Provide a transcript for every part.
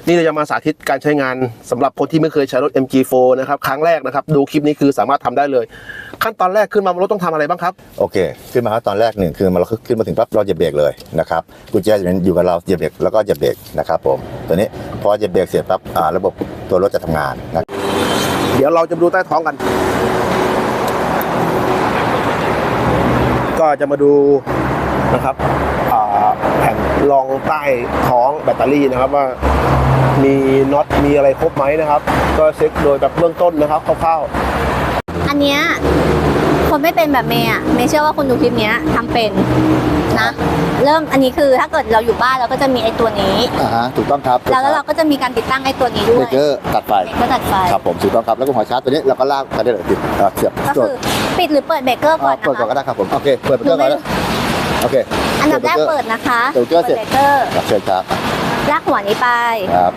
นี่เราจะมาสาธิตการใช้งานสำหรับคนที่ไม่เคยใช้รถ MG4 นะครับครั้งแรกนะครับดูคลิปนี้คือสามารถทำได้เลยขั้นตอนแรกขึ้นมารถต้องทำอะไรบ้างครับโอเคขึ้นมาครับตอนแรกหนึ่งคือเราขึ้นมาถึงปั๊บเราจะเบรกเลยนะครับกุญแจอยู่กับเราจะเบรกแล้วก็จะเบรกนะครับผมตัวนี้พอจะเบรกเสร็จปั๊บระบบตัวรถจะทำงานนะเดี๋ยวเราจะดูใต้ท้องกันก็จะมาดูนะครับแผ่นรองใต้ท้องแบตเตอรี่นะครับว่ามีน็อตมีอะไรครบไหมนะครับก็เช็คโดยแบบเบื้องต้นนะครับคร่าวๆอันเนี้ยคนไม่เป็นแบบเมย์เมย์เชื่อว่าคนดูคลิปนี้ทำเป็นนะเริ่มอันนี้คือถ้าเกิดเราอยู่บ้านเราก็จะมีไอ้ตัวนี้ถูกต้องครับแล้วเราก็จะมีการติดตั้งไอ้ตัวนี้ด้วยเบรกเกอร์ตัดไฟครับผมถูกต้องครับแล้วก็หัวชาร์จตัวนี้เราก็ลากไปได้เลยติดเสียบก็คือปิดหรือเปิดเบรกเกอร์ก่อนนะคะเปิดก่อนก็ได้ครับผมโอเคเปิดเบรกเกอร์ก่อนโอเคอันดับแรกเปิดนะคะเบรกเกอร์เสร็จเชิญครับลากหัวนี้ไปครับ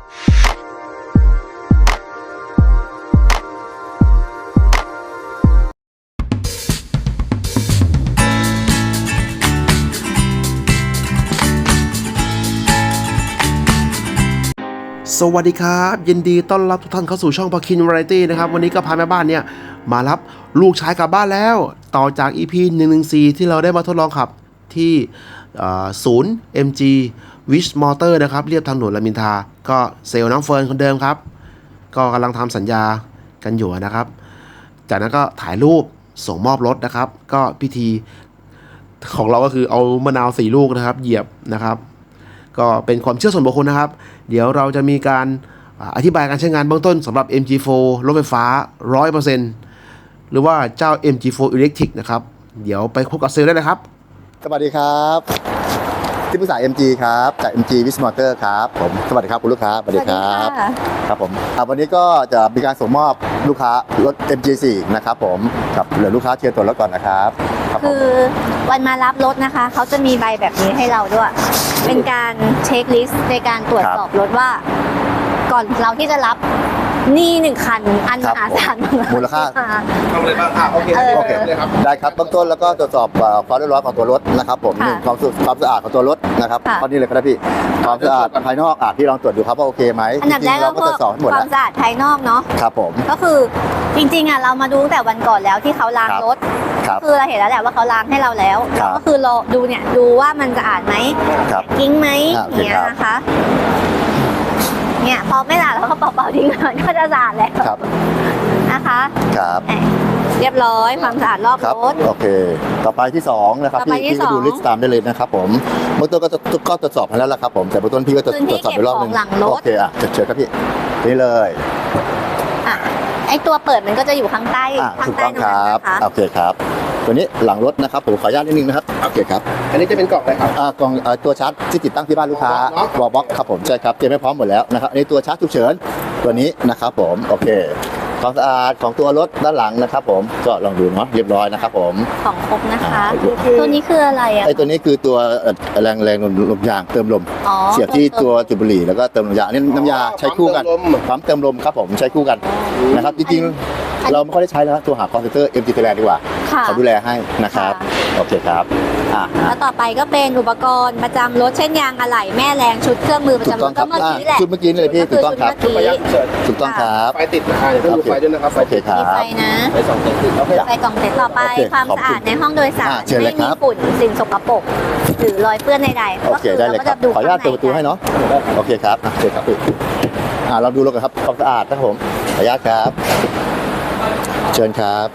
สวัสดีครับยินดีต้อนรับทุกท่านเข้าสู่ช่องพาคินวาไรตี้นะครับวันนี้ก็พาแม่บ้านเนี่ยมารับลูกชายกลับบ้านแล้วต่อจาก EP 114ที่เราได้มาทดลองขับที่ศูนย์ MG Wish Motor นะครับเรียบทางด่วนรามอินทราก็เซลล์น้องเฟิร์นคนเดิมครับก็กำลังทำสัญญากันอยู่นะครับจากนั้นก็ถ่ายรูปส่งมอบรถนะครับก็พิธีของเราก็คือเอามะนาว4 ลูกนะครับเหยียบนะครับก็เป็นความเชื่อส่วนบุคคลนะครับเดี๋ยวเราจะมีการอธิบายการใช้งานเบื้องต้นสำหรับ MG4 รถไฟฟ้า 100% หรือว่าเจ้า MG4 Electric นะครับเดี๋ยวไปพบกับเซลล์ได้เลยครับสวัสดีครับที่ปรึกษา MG ครับจาก MG Wish Motor ครับผมสวัสดีครับคุณลูกค้าสวัสดีครับครับผมวันนี้ก็จะมีการส่งมอบลูกค้ารถ MG4 นะครับผมกับเหลือลูกค้าเชียร์ตัวรถก่อนนะครับคือวันมารับรถนะคะเขาจะมีใบแบบนี้ให้เราด้วยเป็นการเช็คลิสต์ในการตรวจสอบรถว่าก่อนเราที่จะรับนี่1 คันอันมหาศาลมูลค่าทำอะไรบ้างโอเคเลยครับได้ครับเบื้องต้นแล้วก็ตรวจสอบความเรียบร้อยของตัวรถนะครับผมความสะอาดของตัวรถนะครับข้อนี้เลยครับพี่ความสะอาดภายนอกพี่ลองตรวจดูครับว่าโอเคไหมอันดับแรกเราก็ตรวจสอบหมดความสะอาดภายนอกเนาะครับผมก็คือจริงๆเรามาดูตั้งแต่วันก่อนแล้วที่เขาล้างรถคือเราเห็นแล้วแหละว่าเขาล้างให้เราแล้วก็คือเราดูเนี่ยดูว่ามันสะอาดไหมกิ้งไหมเนี่ยนะคะเนี่ยพอไม่สะอาดแล้วก็เป่าๆทิ้งมันก็จะสะอาดแล้วนะคะครับเรียบร้อยความสะอาดรอบรถโอเคต่อไปที่2นะครับพี่ก็ดูลิสต์ตามได้เลยนะครับผมเบื้องต้นก็ตรวจสอบให้แล้วละครับผมแต่เบื้องต้นพี่ก็ตรวจสอบไปรอบนึงโอเคเชิญครับพี่นี่เลยไอตัวเปิดมันก็จะอยู่ข้างใต้ถูกต้องครับโอเคครับตัวนี้หลังรถนะครับผมขออนุญาตนิดนึงนะครับโอเคครับอันนี้จะเป็นกล่องอะไรครับกล่องตัวชาร์จที่ติดตั้งที่บ้านลูกค้าวอลบ็อกครับผมใช่ครับเตรียมให้พร้อมหมดแล้วนะครับอันนี้ตัวชาร์จฉุกเฉินตัวนี้นะครับผมโอเคความสะอาดของตัวรถด้านหลังนะครับผมก็ลองดูเนาะเรียบร้อยนะครับผมของครบนะคะตัวนี้คืออะไรไอตัวนี้คือตัวแรงลมยางเติมลมเสียบที่ตัวจุดบุหรี่แล้วก็เติมลมยางนี่น้ำยาใช้คู่กันปั๊มเติมลมครับผมใช้คู่กันนะครับจริงๆเราไม่ค่อยได้ใช้นะตัวหาคอนเซนเตอร์ MG Thailand ดีกว่าเขาดูแลให้นะครับโอเคครับแล้วต่อไปก็เป็นอุปกรณ์ประจำรถเช่นยางอะไหล่แม่แรงชุดเครื่องมือประจำรถก็เมื่อกี้แหละชุดเมื่อกี้เลยพี่ถูกต้องครับถูกต้องครับไฟติดนะอย่าเพิ่งดูไฟด้วยนะครับโอเคครับไฟนะไฟ2 เส้นติดไฟกล่องเสร็จต่อไปความสะอาดในห้องโดยสารไม่มีฝุ่นสิ่งสกปรกหรือรอยเปื้อนใดๆโอเคได้เลยครับขออนุญาตเปิดประตูให้เนาะโอเคครับเชิญครับพี่เราดูรถกันครับความสะอาดนะครับผมขออนุญาตครับเชิญครับ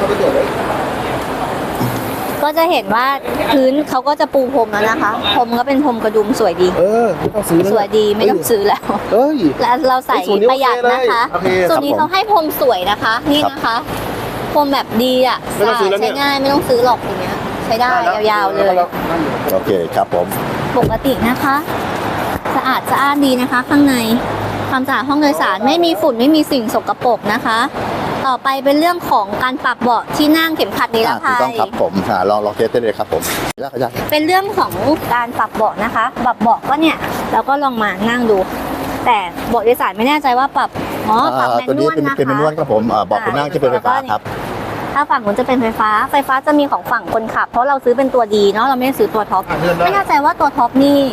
ก็จะเห็นว่าพื้นเขาก็จะปูพรมแล้วนะคะพรมก็เป็นพรมกระดุมสวยดีสวยดีไม่ต้องซื้อแล้วแล้วเราใส่ประหยัดนะคะส่วนนี้เขาให้พรมสวยนะคะนี่นะคะพรมแบบดีอ่ะใช้ง่ายไม่ต้องซื้อหรอกอย่างเงี้ยใช้ได้ยาวๆเลยโอเคครับผมปกตินะคะสะอาดดีนะคะข้างในความสะอาดห้องโดยสารไม่มีฝุ่นไม่มีสิ่งสกปรกนะคะต่อไปเป็นเรื่องของการปรับเบาะที่นั่งเข็มขัดนิรภัยถูกต้องครับผมลองเทสได้เลยครับผมเป็นเรื่องของการปรับเบาะนะคะปรับเบาะก็เนี่ยเราก็ลองมานั่งดูแต่เบาะโดยสารไม่แน่ใจว่าปรับแมนนวลนะคะเป็นแมนนวลครับผมเบาะคนนั่งที่เป็นไฟฟ้าครับถ้าฝั่งนู้นจะเป็นไฟฟ้าจะมีของฝั่งคนขับเพราะเราซื้อเป็นตัวดีเนาะเราไม่ได้ซื้อตัวท็อปไม่แน่ใจว่าตัวท็อปนี่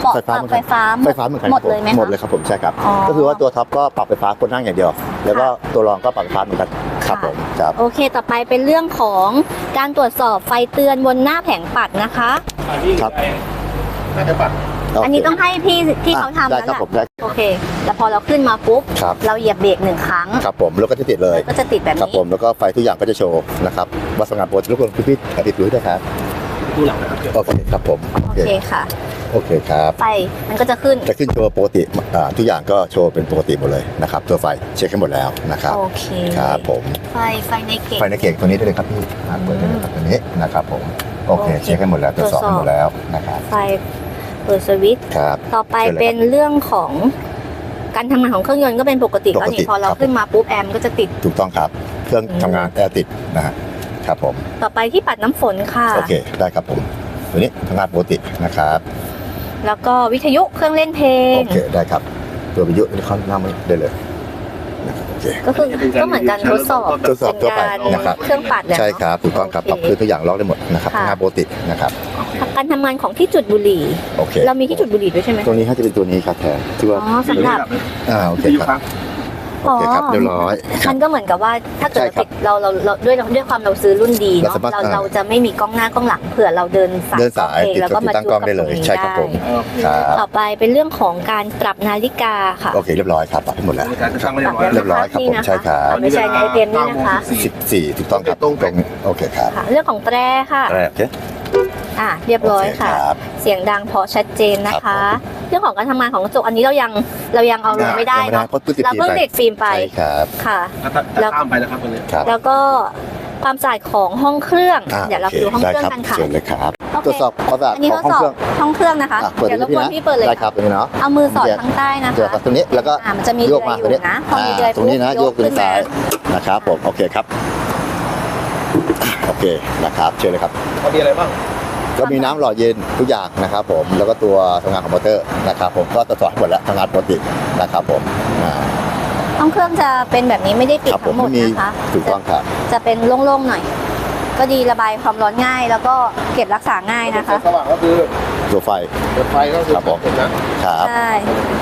เบาะปรับไฟฟ้าไฟฟ้าเหมือนกันหมดเลยไหมคะหมดเลยครับผมใช่ครับอ๋อก็คือว่าตัวท็อปก็ปรับไฟฟ้าคนนั่งอย่างเดียว แล้วก็ตัวรองก็ปรับไฟฟ้าเหมือนกันครับค่ะผมครับโอเค ต่อไปเป็นเรื่องของการตรวจสอบไฟเตือนบนหน้าแผงปัดนะคะครับอันนี้ต้องให้พี่ที่เขาทำได้แล้วครับแหละผมได้โอเค แล้วพอเราขึ้นมาปุ๊บครับเราเหยียบเบรก1 ครั้งครับผมแล้วก็จะติดเลยมันก็จะติดแบบครับนี้ผมแล้วก็ไฟทุกอย่างก็จะโชว์นะครับว่าสำนักงานโปรทุกคนพี่ติดดูด้วยครับดูหลังนะครับโอเคครับผมโอเคค่ะโอเคครับไฟมันก็จะขึ้นจะขึ้นโชว์ปกติทุกอย่างก็โชว์เป็นปกติหมดเลยนะครับตัวไฟเช็คให้หมดแล้วนะครับโอเคครับผมไฟในเกตไฟในเก่งตัวนี้ได้เลยครับพี่เปิดได้เลยครับตัวนี้นะครับผมโอเคโอเคเช็คให้หมดแล้วตรวจสอบให้หมดแล้วนะครับไฟเปิดสวิตช์ครับต่อไปเชิญเลยครับเป็นเรื่องของการทำงานของเครื่องยนต์ก็เป็นปกติปกติแล้วนี่พอเราครับขึ้นมาปุ๊บแอร์มนก็จะติดถูกต้องครับเครื่องทำงานแอร์ติดนะฮะครับผมต่อไปที่ปัดน้ำฝนค่ะโอเคได้ครับผมตัวนี้ทำงานปกตินะครับแล้วก็วิทยุเครื่องเล่นเพลงโอเคได้ครับตัววิทยุนี่เข้าหน้าไม่ได้เลยนะครับโอเคก็คือก็เหมือนการทดสอบทดสอบทั่วไปเป็นนะครับเครื่องปัดเนี่ยใช่ครับถูกต้องครับปรับพื้นทุกอย่างล็อกได้หมดนะครับค่ะทำงานปกตินะครับการทำงานของที่จุดบุหรี่โอเคเรามีที่จุดบุหรี่ด้วยใช่ไหมตัวนี้ให้จะเป็นตัวนี้ครับแทนที่ว่าอ๋อสำหรับโอเคครับโอเคครับเรียบร้อยครัมับนก็เหมือนกับว่าถ้าเกิดใช่ครับติดเราด้วยความเราซื้อรุ่นดีเนาะเราสามารถเราจะไม่มีกล้องหน้ากล้องหลังเผื่อเราเดินสายเดินสายเองติดแล้วก็มาตั้งกล้องได้เลยจุใช่ครับผมได้ครับต่อไปเป็นเรื่องของการปรับนาฬิกาค่ะโอเคเรียบร้อยครับปรับให้หมดแล้วการจะตั้งไม่เรียบร้อยเรียบร้อยครับผมใช่ครับไม่ใช่ในไอเทมนี่นะคะ 14ถูกต้องครับตรงโอเคครับค่ะ เรื่องของแตรค่ะแรกโอเคเรียบร้อยโอเคค่ะครับเสียงดังเพราะชัดเจนนะคะครับเรื่องของการทำงานของกระจกอันนี้เรายังเอาลงไม่ได้ยังเนาะเพราะเพิ่งติดเราฟิล์มเพิ่งไปติดฟิล์มไปใช่ครับค่ะแล้วข้ามไปแล้วครับวันนี้ครับแล้วก็ความสะอาดของห้องเครื่อง เดี๋ยวเราไปดูห้องได้เครื่องครับกันค่ะเชิญเลยครับโอเคตรวจสอบความสะอาดอันนี้ขทองดห้องสอบเครื่องห้องเครื่องนะคะเปิดเดี๋ยวรบพี่กวนนะพี่เปิดเลยได้ครับตรงนี้เนาะเอามือสอดข้างใต้นะเดี๋ยวคะครับตรงนี้แล้วก็มันจะมีโยกมาเดือยอยู่นะพอมีเดือยตรงนี้นะปุ๊บโยกขึ้นขึ้นมาซ้ายนะครับผมโอเคครับโอเคนะครับเชิญเลยครับมีอะไรบ้างก็มีน้ำหล่อเย็นทุกอย่างนะครับผมแล้วก็ตัวทำงานของมอเตอร์นะครับผมก็ตรวจสอบให้หมดแล้วทำงานปกตินะครับผมห้องเครื่องจะเป็นแบบนี้ไม่ได้ปิดครับผทั้มงหมดไม่มีนะคะถูกต้องครับจะเป็นโล่งๆหน่อย ก็ดีระบายความร้อนง่าย แล้วก็เก็บรักษาง่ายนะคะสว่างก็คือตัวไฟเปิดไฟก็คือครับผมเห็นนะครับใช่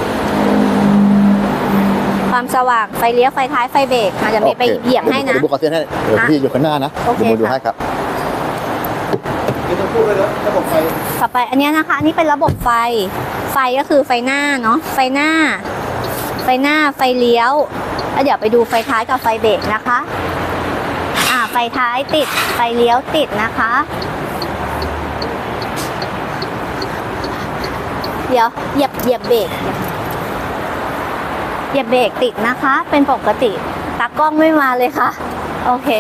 ความสว่างไฟเลี้ยวไฟท้ายไฟเบรกอาจจะมีไปเหยียบให้นะเดี๋ยวบุกเส้นให้เดี๋ยวพี่อยู่ข้างหน้านะโอเคเดี๋ยวมาดูค่ะให้ครับนี่ต้องพูดเลยนะระบบไฟต่อไปอันเนี้ยนะคะอันนี้เป็นระบบไฟ ไฟก็คือไฟหน้าเนาะไฟหน้า ไฟเลี้ยวแล้วเดี๋ยวไปดูไฟท้ายกับไฟเบรกนะคะไฟท้ายติดไฟเลี้ยวติดนะคะ เดี๋ยวเหยียบเบรกเหยียบเบรกติดนะคะ เป็นปกติตากล้องไม่มาเลยค่ะ โอเค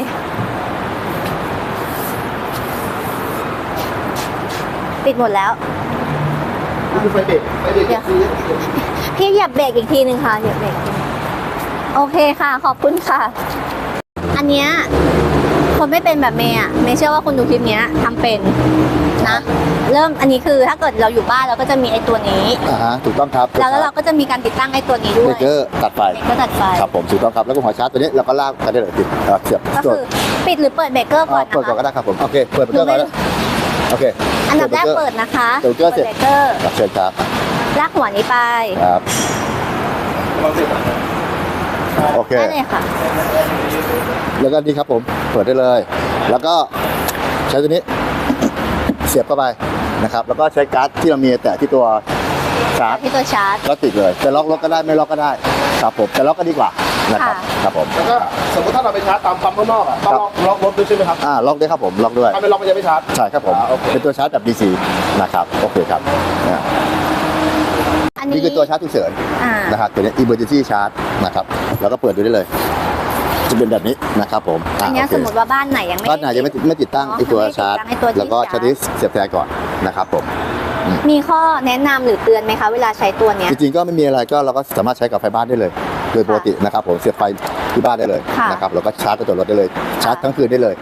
ติดหมดแล้วนี่คือไฟเบรกคือพี่เหยียบเบรกอีกทีหนึ่งค่ะเหยียบเบรกอีกทีโอเคค่ะ ขอบคุณค่ะ อันเนี้ยคนไม่เป็นแบบเมย์อะเมย์เชื่อว่าคุณดูคลิปเนี้ยทำเป็นนะ เริ่มอันนี้คือถ้าเกิดเราอยู่บ้านเราก็จะมีไอ้ตัวนี้ถูกต้องครับแล้วเราก็จะมีการติดตั้งไอ้ตัวนี้ด้เบวรยกเกอร์ตัดไฟเบรกเกอร์ตัดไฟครับผมถูกต้องครับแล้วก็หัวชาร์จตัวนี้เราก็ลากกันได้เลยติดเสียบก็คือปิดหรือเปิดเบรกเกอร์ก่อนเปิดก่อนนะก็คะได้ครับผมโอเคเปิดเบรกเกอร์ก่อนนะโอเคอันดับแรกเปิดนะคะเบรกเกอร์เสร็จเบรกเกอร์เชิญครับลากหัวนี้ไปครับลองสิโอเคได้เลยค่ะแล้วก็นี่ครับผมเปิดได้เลย แล้วก็ใช้ตัวนี้เสียบเข้าไปนะครับแล้วก็ใช้การ์ดที่เรามีแตะที่ตัวชาร์จที่ตัวชาร์จก็ติดเลยจะล็อกรถก็ได้ไม่ล็อกก็ได้ครับผมจะล็อกก็ดีกว่านะครับค่ะครับผมแล้วก็สมมติถ้าเราไปชาร์จตามปั๊มข้างนอกอ่ะต้องล็อกรถด้วยใช่ไหมครับล็อกด้วยครับผมล็อกด้วยถ้าไม่ล็อกมันจะไม่ชาร์จใช่ครับผมโอเคเป็นตัวชาร์จแบบ DC นะครับโอเคครับอันนี้นี่คือตัวชาร์จฉุกเฉินอ่านะครับตัวนี้ emergency charge นะครับแล้วก็เปิดดูได้เลย จะเป็นแบบนี้นะครับผมอันเนี้ยโเคสมมติว่าบ้านไหนยังไม่บ้านไหนยังไม่ติดตั้งอ๋อไอตัวไม่ติดชาร์จตั้งไอ้ตัวที่แล้วก็ชาชาร์ร์จจเสียบแทนก่อนนะครับผมมีข้อแนะนำหรือเตือนไหมคะเวลาใช้ตัวเนี้ยจริงๆก็ไม่มีอะไรก็เราก็สามารถใช้กับไฟบ้านได้เลย โดยปกตินะครับผมเสียบไฟที่บ้านได้เลยค่ะนะครับแล้วก็ชาร์จกับตัวรถได้เลยชาร์จทั้งคืนได้เลยตัวนี้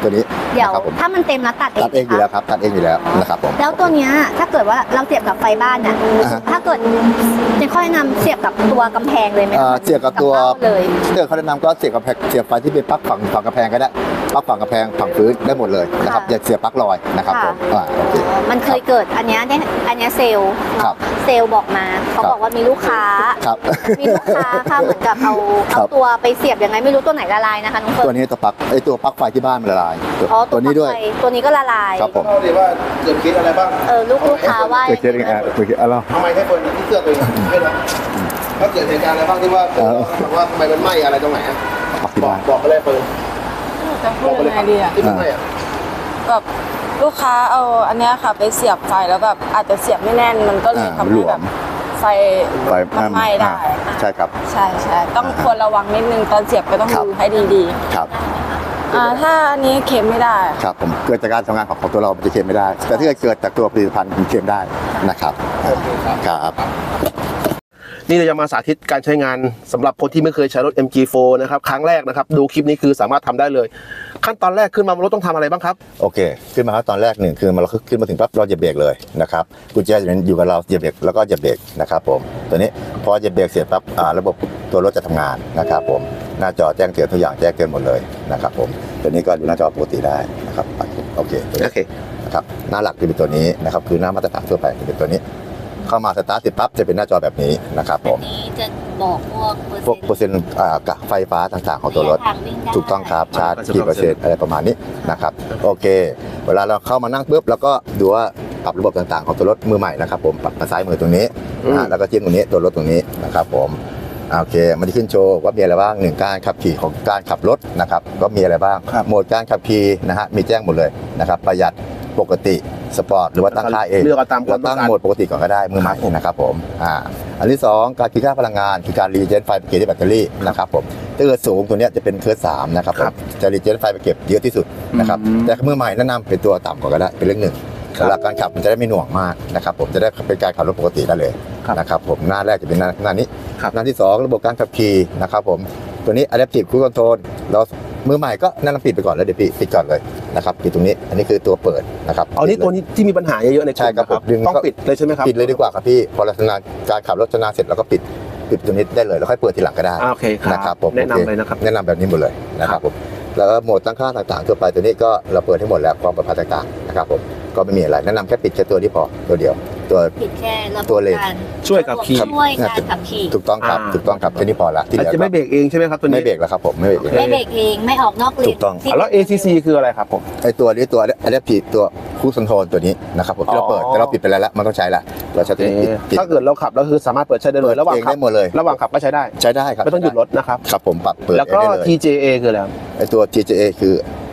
เดี๋ยวนะครับผมถ้ามันเต็มแล้วตัดเองตัดเองอยู่แล้วครับตัดเองอยู่แล้วนะครับผมแล้วตัวเนี้ยถ้าเกิดว่าเราเสียบกับไฟบ้านน่ะอ่าฮะถ้าเกิดจะค่อยแนะนำเสียบกับตัวกำแพงเลยไหมคะเสียบกับตัวเบ้าเลยเดี๋ยวเขาแนะนำก็เสียบกับเสียบไฟที่เป็นปลั๊กฝั่งกระแพงก็ได้ปลั๊กฝั่งกระแพงฝั่งพื้นได้หมดเลยนะครับค่ะอย่าเสียบปลั๊กลอยนะครับผมโอเคมันเคยเกิดอันเนี้ยเซลล์ครับเซลล์บอกมาเขาบอกว่ามีลูกค้าครับมีลูกค้าค่ะเหมือนกับเอาครับตัวไปเสียบยังไงไม่รู้ตัวไหนละลายนะคะน้องเฟิตัวร์นนี้ตัวปลั๊กตัวปลั๊กไฟที่บ้านมันละลายอ๋อตัวนี้ด้วยปลั๊กไฟตัวนี้ก็ละลายครับผมเล่าดิว่าเกิดเคสอะไรบ้างลูกค้าว่าเกิดเองเกิดอะไรทำไมให้คนที่เสื้อตัวเองให้นะก็เกิดเหตุการณ์อะไรบ้างที่ว่าว่าทำไมมันไหม้อะไรตรงไหนปลั๊กที่บ้านบอกไปเลยเฟิร์นจะพูดยังไงดีอะที่มันไหม้อะแบบลูกค้าเอาอันเนี้ยค่ะไปเสียบไฟแล้วแบบอาจจะเสียบไม่แน่นมันก็เลยทำให้แบบไฟมันไหม้ได้ใช่ครับใช่ต้องควรระวังนิดนึงตอนเสียบก็ต้องครับดูให้ดีครับๆถ้าอันนี้เข็มไม่ได้ครับผมเกิดจากการทำงานของตัวเราจะเค็มไม่ได้ แต่ถ้าเกิดจากตัวผลิตภัณฑ์มันเค็มได้นะครับครับนี่เราจะมาสาธิตการใช้งานสำหรับคนที่ไม่เคยใช้รถ MG4 นะครับครั้งแรกนะครับดูคลิปนี้คือสามารถทำได้เลย ขั้นตอนแรกขึ้นมารถต้องทำอะไรบ้างครับโอเคขึ้นมาครับตอนแรกหนึ่งคือเราขึ้นมาถึงปั๊บเราเหยียบเบรกเลยนะครับกุญแจอยู่กับเราเหยียบเบรกแล้วก็เหยียบเบรกนะครับผมตัวนี้พอเหยียบเบรกเสร็จปั๊บระบบตัวรถจะทำงานนะครับผมหน้าจอแจ้งเตือนทุกอย่างแจ้งเตือนหมดเลยนะครับผมตัวนี้ก็ดูหน้าจอปกติได้นะครับโอเคตัวนี้โอเคนะครับหน้าหลักจะเป็นตัวนี้นะครับคือหน้ามาตรฐานทั่วไปจะเป็นตัวนี้ เข้ามาสตาร์ทเสร็จปั๊บจะเป็นหน้าจอแบบนี้นะครับผมนี้จะบอกพวกเปอร์เซ็นต์กับไฟฟ้าต่างๆของตัวรถ ถูกต้องครับชาร์จกี่เปอร์เซ็นต์อะไรประมาณนี้นะครับโอเค เวลาเราเข้ามานั่งปุ๊บแล้วก็ดูว่าปรับระบบต่างๆของตัวรถมือใหม่นะครับผมปรับมาซ้ายมือตรงนี้แล้วก็จิ้มตรงนี้ตัวรถตรงนี้นะครับผมโอเคมันจะขึ้นโชว์ว่ามีอะไรบ้างหนึ่งการขับขี่ของการขับรถนะครับก็มีอะไรบ้างโหมดการขับขี่นะฮะมีแจ้งหมดเลยนะครับประหยัดปกติสปอร์ตหรือว่าตั้งค่าเองเลือกเอาตามความเราต้องตั้งการโหมดปกติก่อนก็ได้มือใหม่นะครับผมอันที่2การคิดค่าพลังงานคือการรีเจนไฟไปเก็บที่แบตเตอรี่นะครับผมถ้าเกิดสูงตัวนี้จะเป็นเคอร์3นะครับผมจะรีเจนไฟไปเก็บเยอะที่สุดนะครับแต่มือใหม่แนะนำเป็นตัวต่ำก่อนก็ได้เป็นเลข 1เวลาการขับมันจะได้ไม่หน่วงมากนะครับผมจะได้เป็นการขับรถปกติได้เลยนะครับผมหน้าแรกจะเป็นหน้านี้หน้าที่2ระบบการขับขี่นะครับผมตัวนี้ Adaptive Cruise Control เรามือใหม่ก็แนะนำปิดไปก่อนแล้วเดี๋ยวปิดก่อนเลยนะครับปิดตรงนี้อันนี้คือตัวเปิดนะครับเอานี่ตัวนี้ที่มีปัญหาเยอะๆในกลุ่มใช่ครับผมดึงต้องปิดเลยใช่ไหมครับปิดเลยดีกว่าครับพี่พอเราชำนาญการขับรถชำนาญเสร็จเราก็ปิดตรงนี้ได้เลยแล้วค่อยเปิดทีหลังก็ได้โอเคครับนะครับผมแนะนำเลยนะครับแนะนำแบบนี้หมดเลยนะครับผมแล้วก็โหมดตั้งค่าต่างๆทั่วไปตัวนี้ก็เราเปิดให้หมดแล้วความปลอดภัยต่างๆนะครับผมก็ไม่มีอะไรแนะนำแค่ปิดแค่ตัวนี้พอตัวเดียวตัวผิดแค่ระบบตัวเลนการช่วยกับขี่ช่วยการขับขี่ถูกต้องครับถูกต้องครับแค่นี้พอละที่เหอาจลือจะไม่เบรกเองใช่ไหมครับตัวนี้ไม่เบรกแล้วครับผมไม่เบรกเองไม่เบรกเองไม่ออกนอกเลนถูกต้องที่แล้ว ACC คืออะไรครับผมไอตัวนี้ตัว Adaptive ตัวคู่คอนโทรลตัวนี้นะครับผมที่เราเปิดแต่เราปิดไปแล้วมันต้องใช้ละเราใช้ตัวนี้ปิดถ้าเกิดเราขับแล้วคือสามารถเปิดใช้ได้เลยระหว่างเองขัได้หมดเลยระหว่างขับก็ใช้ได้ใช้ได้ครับไม่ต้องหยุดรถนะครับครับผมปรับเปิดแล้วก็ได้เลย TJA คืออะไรครับไอตัว TJA คือ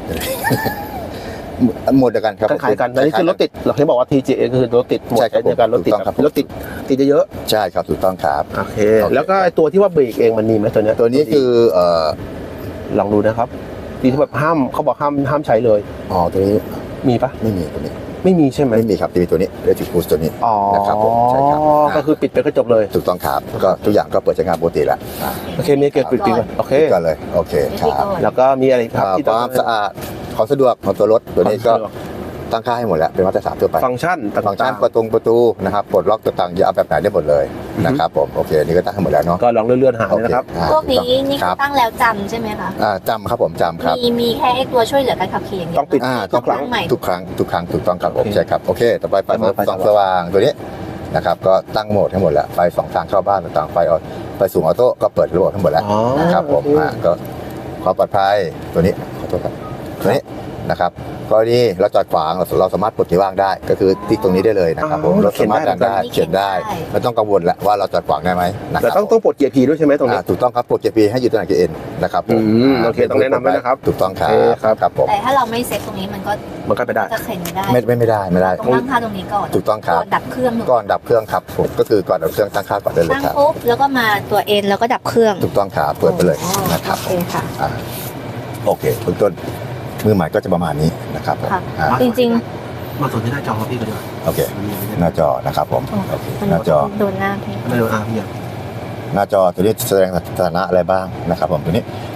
หมดเดียวกันครับคล้ายๆกันอันนี้คือรถติดเราเคยบอกว่า TJA คือรถติดหมดใช่ครับในการรถติดถูกต้องครับรถติดเยอะใช่ครับถูกต้องครับโอเคแล้วก็ไอ้ตัวที่ว่าเบรกเองมันมีไหมตัวเนี้ยตัวนี้คือลองดูนะครับที่แบบห้ามเขาบอกห้ามใช้เลยตัวนี้มีปะไม่มีตัวนี้ไม่มีใช่ไหมไม่มีครับจะมีตัวนี้ Electric Cruise ตัวนี้อ๋อนะครับผมใช่ครับก็คือปิดไปก็จบเลยถูกต้องครับก็ทุกอย่างก็เปิดใช้งานปกติแล้วโอเคมีเกียร์ปิดก่อนโอเคปิดก่อนเลยโอเคครับแล้วก็มีอะไรอีกครับที่คต้องวามสะอาดความสะดวกของตัวรถตัวนี้ก็ตั้งค่าให้หมดแล้วเป็นมาตรฐานทั่วไปฟังก์ชันต่างๆฟังก์ชันประตูนะครับปลดล็อกต่างๆอย่าเอาแบบไหนได้หมดเลยนะครับผมโอเคนี่ก็ตั้งให้หมดแล้วเนาะก็ลองเลื่อนๆหาโอเลยเคนะครับพวกนี้นี่ครัเขาบตั้งแล้วจำใช่ไหมคะจำครับผมจำครับมีแค่ไอ้ตัวช่วยเหลือการขับขี่อย่างเดียวต้องปิดทุกครั้งใหม่ทุกครั้งถูกต้องครับผมโอเคใช่ครับโอเคต่อไปไฟไฟส่องสว่างตัวนี้นะครับก็ตั้งโหมดให้หมดแล้วไฟสองทางเข้าบ้านต่างๆไฟสูงออโต้ก็เปิดระบบทั้งหมดแล้วอ๋อนะครับผมโอเคก็ความปลอดภัยตัวนี้ขอโทษครับตัวนี้นะครับกรณีเราจอดขวางเราสามารถปลดที่ว่างได้ ก็คือติ๊กตรงนี้ได้เลยนะครับผมรถสามารถดันได้เขียนได้ไม่ต้องกังวลแล้วว่าเราจอดขวางได้ไหมนะคแต่รับต้องปลดเกียร์ P ด้วยใช่ไหมตรงนี้ถูกต้องครับปลดเกียร์ P ให้อยู่ตำแหน่งเกียร์ N นะครับผมโอเคต้องแนะนำไว้นะครับถูกต้องครับโอเคครับครับผมแต่ถ้าเราไม่เซ็ตตรงนี้มันก็มันก็ไปได้จะเข็นไม่ได้ไม่ได้ต้องตั้งค่าตรงนี้ก่อนถูกต้องครับก่อนดับเครื่องหนูก่อนดับเครื่องครับผมก็คือก่อนดับเครื่องตั้งค่าก่อนได้เลยตั้งครับปุ๊บแล้วก็มาตัวเอ็นแล้วก็ดับเครื่องถูกต้องครับเปิดไปเลยนะครับโอเคค่ะโอเคเบื้องต้นมือใหม่ก็จะประมาณนี้นะครับผมค่ะอ่าจริงมาส่วนที่หน้าจอพี่ก็ดีกว่าโอเคหน้าจอนะครับผมโอเคๆมันหน้าจอโดนหน้าพี่ไม่โดนพี่หน้าจอตัวนี้แสดงสถานะอะไรบ้างนะครับผมตัวนี้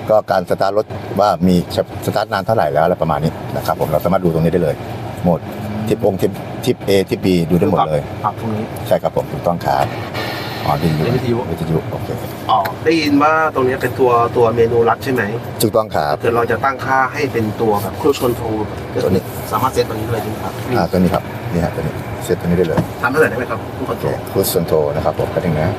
ก็การสตาร์ทรถว่ามีสตาร์ทนานเท่าไหร่แล้วอะไรประมาณนี้นะครับผมเราสามารถดูตรงนี้ได้เลยโหมดทิปทิป A ทิป B ดูได้หมดเลยปรับตรงนี้ใช่ครับผมถูกต้องครับอ๋อวิทยุโอเคอ๋อได้ยินว่าตรงนี้เป็นตัวเมนูลัดใช่ไหมถูกต้องครับเกิดเราจะตั้งค่าให้เป็นตัวแบบครูชนโทรตัวนี้สามารถเซตตรงนี้เลยใช่ไหมครับตัวนี้ครับนี่ฮะตัวนี้เซตตัวนี้ได้เลยทำเท่าไหร่ได้ไหมครับผู้คอนโทรลคูสโซนโทนะครับผมก็ถึงนะ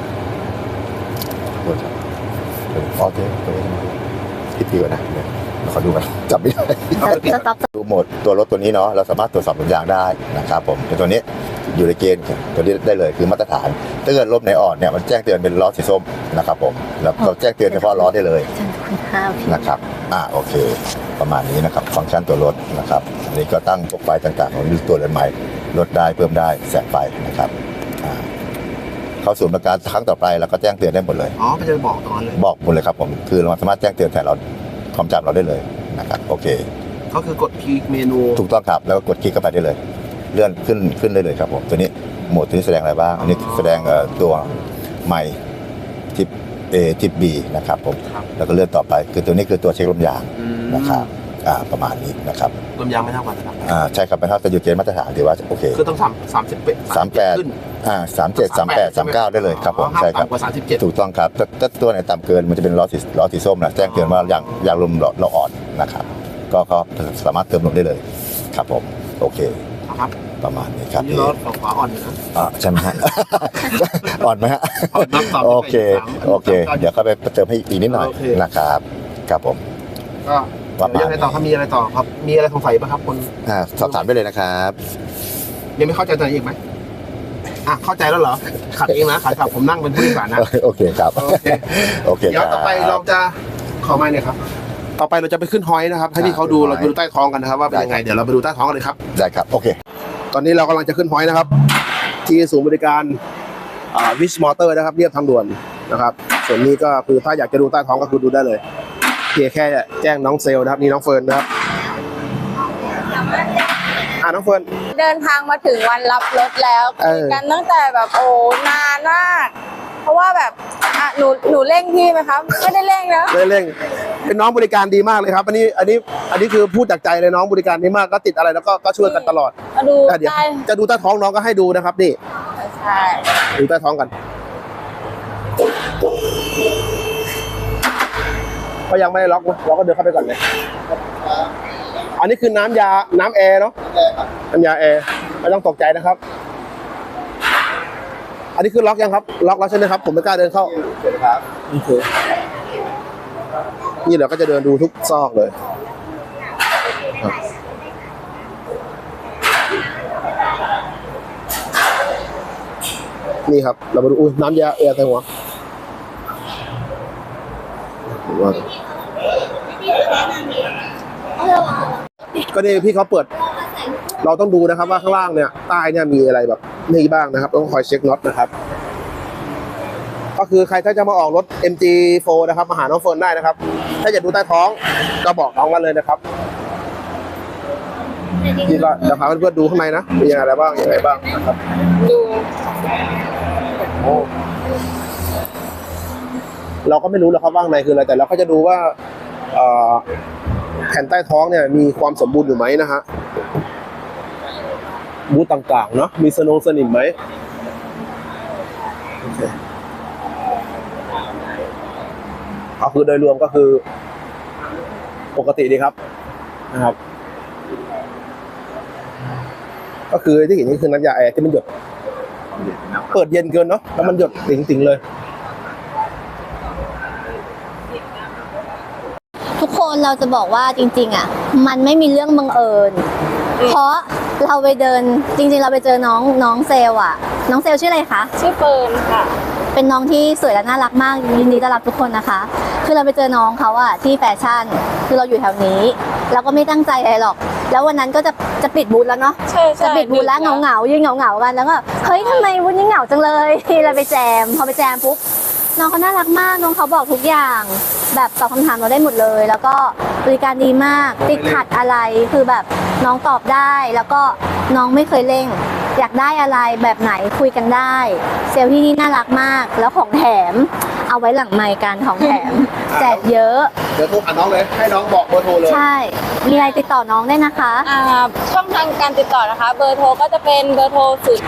โอเคพี่ตีก่อนนะขอดูกันจับไม่ได้สต็อปดูโหมดตัวรถตัวนี้เนาะเราสามารถตรวจสอบลมยางได้นะครับผมแต่ตัวนี้อยู่ในเกณฑ์ตัวนี้ได้เลยคือมาตรฐานถ้าเกิดลมไหนอ่อนเนี่ยมันแจ้งเตือนเป็นล้อสีส้มนะครับผมแล้วเราแจ้งเตือนเฉพาะล้อได้เลยนะครับโอเคประมาณนี้นะครับฟังก์ชันตัวรถนะครับอันนี้ก็ตั้งพวกไฟต่างๆของตัวเรือนใหม่ลดได้เพิ่มได้แสงไฟนะครับเข้าสู่บริการครั้งต่อไปแล้วก็แจ้งเตือนได้หมดเลยอ๋อก็จะบอกตอนเลยบอกหมดเลยครับผมคือเราสามารถแจ้งเตือนแทนเราความจำเราได้เลยนะครับโอเคก็คือกดคลิกเมนูถูกต้องครับแล้วก็กดคลิกเข้าไปได้เลย เลื่อนขึ้นได้เลยครับผมตัวนี้โหมดตัวนี้แสดงอะไรบ้างอันนี้แสดงตัวไมค์ทิป A ทิป B นะครับผมแล้วก็เลื่อนต่อไปคือตัวนี้คือตัวเช็คลมยางนะครับประมาณนี้นะครับลมยางไม่เท่ากันนะครับใช่ครับเป็นเท่าจะอยู่เกณฑ์มาตรฐานถือว่าโอเคคือต้อง38 ขึ้น37 38 39ได้เลยครับผมใช่ครับกว่า37 ถูกต้องครับถ้าตัวไหนต่ำเกินมันจะเป็นล้อสีส้มนะแจ้งเตือนว่ายางลมเราอ่อนนะครับก็สามารถเติมลมได้เลยครับผมโอเคครับประมาณนี้ครับนี่รถขวาอ่อนนะใช่ไหมฮะ อ่อนไหมฮะอ่อนนับต่อโอเคเดี๋ยวเข้าไปเติมให้อีกนิดหน่อยนะครับครับผมก็ยังไงต่อครับมีอะไรต่อครับมีอะไรสงสัยป่ะครับคนสอบถามได้เลยนะครับยังไม่เข้าใจตัวอีกไหมเข้าใจแล้วเหรอขับเองนะขับผมนั่งเป็นผู้โดยสารนะโอเคครับโอเคเดี๋ยวต่อไปเราจะขอไม้หน่อยครับต่อไปเราจะไปขึ้นฮอยนะครับให้พี่เขาดูเราดูใต้ท้องกันนะครับว่าเป็นยังไงเดี๋ยวเราไปดูใต้ท้องกันเลยครับได้ครับโอเคตอนนี้เรากำลังจะขึ้นฮอยนะครับที่ศูนย์บริการวิชมอเตอร์นะครับเรียบทางด่วนนะครับส่วนนี้ก็คือถ้าอยากจะดูใต้ท้องก็คือดูได้เลยเพียงแค่แจ้งน้องเซลนะครับนี่น้องเฟิร์นนะครับน้องเฟิร์นเดินทางมาถึงวันรับรถแล้วคุยกันตั้งแต่แบบโอ้นานมากเพราะว่าแบบหนูเร่งพี่ไหมครับไม่ได้เร่งนะเร่งเป็นน้องบริการดีมากเลยครับอันนี้คือพูดจากใจเลยน้องบริการดีมากก็ติดอะไรแล้วก็ช่วยกันตลอดมาดูเดี๋ยวจะดูใต้ท้องน้องก็ให้ดูนะครับนี่ใช่ดูใต้ท้องกันก็ยังไม่ได้ล็อกนะเราก็เดินเข้าไปก่อนเลยอันนี้คือน้ำแอร์เนาะน้ำยาแอร์ไม่ต้องตกใจนะครับอันนี้คือล็อกยังครับล็อกแล้วใช่ไหมครับผมไม่กล้าเดินเข้าครับนี่เราก็จะเดินดูทุกซอกเลยนี่ครับเรามาดูน้ำยาแอร์ใส่หัวก็นี่พี่เขาเปิดเราต้องดูนะครับว่าข้างล่างเนี่ยใต้เนี่ยมีอะไรแบบนี่บ้างนะครับต้องคอยเช็คน็อตนะครับก็คือใครถ้าจะมาออกรถ MG4 นะครับมาหาน้องเฟิร์นได้นะครับถ้าอยากดูใต้ท้องก็บอกน้องกันเลยนะครับนี่ก็จะพาเพื่อนๆดูข้างในนะมีอะไรบ้างยังไงบ้างนะครับดูเราก็ไม่รู้หรอกครับว่าข้างในคืออะไรแต่เราก็จะดูว่าแผ่นใต้ท้องเนี่ยมีความสมบูรณ์อยู่ไหมนะฮะบูธต่างๆเนาะมีสนิมไหมเอาคือโดยรวมก็คือปกติดีครับนะครับก็คือที่เห็นนี่คือน้ำยาแอร์ที่มันหยดเปิดเย็นเกินเนาะแล้วมันหยดติ๋งๆเลยทุกคนเราจะบอกว่าจริงๆมันไม่มีเรื่องบังเอิญเพราะเราไปเดินจริงๆเราไปเจอน้องเซลน้องเซลชื่ออะไรคะชื่อเฟิร์นค่ะเป็นน้องที่สวยและน่ารักมากยินดีต้อนรับทุกคนนะคะคือเราไปเจอน้องเขาที่แฟชั่นคือเราอยู่แถวนี้เราก็ไม่ตั้งใจอะไรหรอกแล้ววันนั้นก็จะปิดบูธแล้วเนาะจะปิดบูธแล้วเหงายืนเหงากันแล้วก็เฮ้ยทำไมบูธนี้เหงาจังเลยเราไปแจมพอไปแจมปุ๊บน้องเขาน่ารักมากน้องเขาบอกทุกอย่างแบบตอบคำถามเราได้หมดเลยแล้วก็บริการดีมากติดขัดอะไรคือแบบน้องตอบได้แล้วก็น้องไม่เคยเร่ง อยากได้อะไรแบบไหนคุยกันได้ เซลล์ที่นี่น่ารักมาก แล้วของแถมเอาไว้หลังไมค์กันของแถม แจกเยอะเดี๋ยวโทรหาน้องเลยให้น้องบอกเบอร์โทรเลยใช่ มีอะไรติดต่อน้องได้นะคะช่องทางการติดต่อนะคะ เบอร์โทรก็จะเป็นเบอร์โทร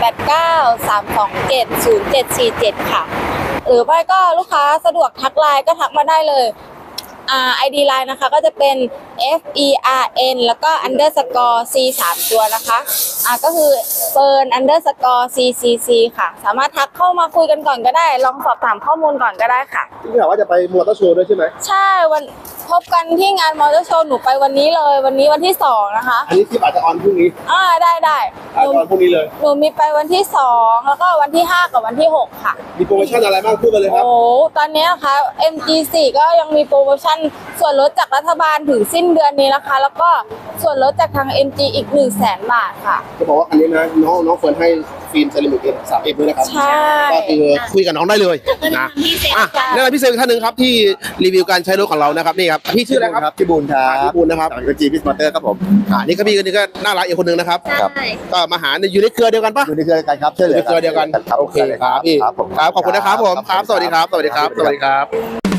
0893270747 ค่ะ หรือไม่ก็ลูกค้าสะดวกทักไลน์ก็ทักมาได้เลยID ไลน์นะคะก็จะเป็น FERN แล้วก็ underscore C 3 ตัวนะคะก็คือ Fern underscore CCC ค่ะ สามารถทักเข้ามาคุยกันก่อนก็ได้ ลองสอบถามข้อมูลก่อนก็ได้ค่ะที่ถามว่าจะไปมอเตอร์โชว์ด้วยใช่ไหมใช่พบกันที่งานมอเตอร์โชว์หนูไปวันนี้เลย วันนี้วันที่ 2 นะคะอันนี้คลิปอาจจะออนพรุ่งนี้ได้อาจจะออนพรุ่งนี้เลยหนูมีไปวันที่ 2 แล้วก็วันที่ 5 กับวันที่ 6 ค่ะมีโปรโมชั่นอะไรบ้างพูดมาเลยครับโอ้ตอนนี้นะคะ MG4 ก็ยังมีโปรโมชั่นส่วนลดจากรัฐบาลถึงสิ้นเดือนนี้นะคะ แล้วก็ส่วนลดจากทาง MG อีก 100,000 บาทค่ะจะบอกว่าอันนี้นะน้องเฟิร์นให้ฟิล์มเซรามิกเอ็ม3 ด้วยนะครับใช่ก็คือคุยกับน้องได้เลยนะแนะนำพี่เซลล์อีกท่านหนึ่งครับที่รีวิวการใช้รถของเรานะครับนี่ครับพี่ชื่ออะไรครับพี่บูลครับพี่บูลนะครับจากจีพิสมอเตอร์ครับผมนี่ก็พี่คนนี้ก็น่ารักอีกคนหนึงนะครับครับใช่ก็มาหาอยู่ในเครือเดียวกันปะอยู่ในเครือกันครับช่วยเหลืในอเครือเดียวกันรับโอเคครับพี่ครับผมครับขอบคุณนะครับผมครับสวัสดีครับสวัสดีครับสวัสดีครับ